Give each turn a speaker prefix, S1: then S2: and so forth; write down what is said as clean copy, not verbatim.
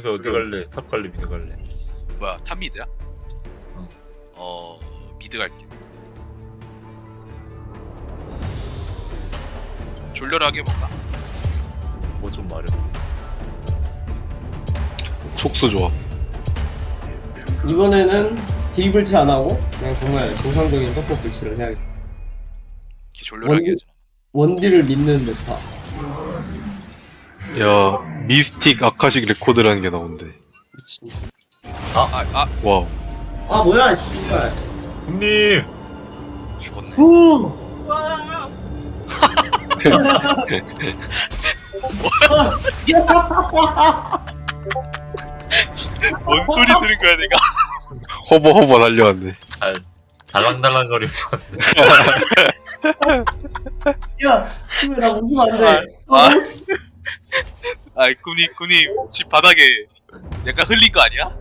S1: 여기서 어디 갈래? 탑 갈래? 미드 갈래?
S2: 뭐야 탑 미드야?
S1: 응.
S2: 미드 갈게. 졸렬하게 해볼까?
S1: 뭐 좀 말해.
S3: 촉수 조합.
S4: 이번에는 딜불치 안 하고 그냥 정말 정상적인 서포 불치를 해야겠다.
S2: 이렇게 졸렬하게 하지.
S4: 원딜을 믿는 메타.
S3: 야, 미스틱 아카식 레코드라는 게 나온대.
S4: 미친.
S3: 와우.
S4: 아 뭐야 씨발.
S1: 형님!
S2: 죽었네. 뭔 소리 들은 거야 내가?
S3: 허버 달려왔네.
S1: 달랑달랑거리고
S4: 야, 나 웃으면 안 돼.
S2: 꾸님 집 바닥에 약간 흘린 거 아니야?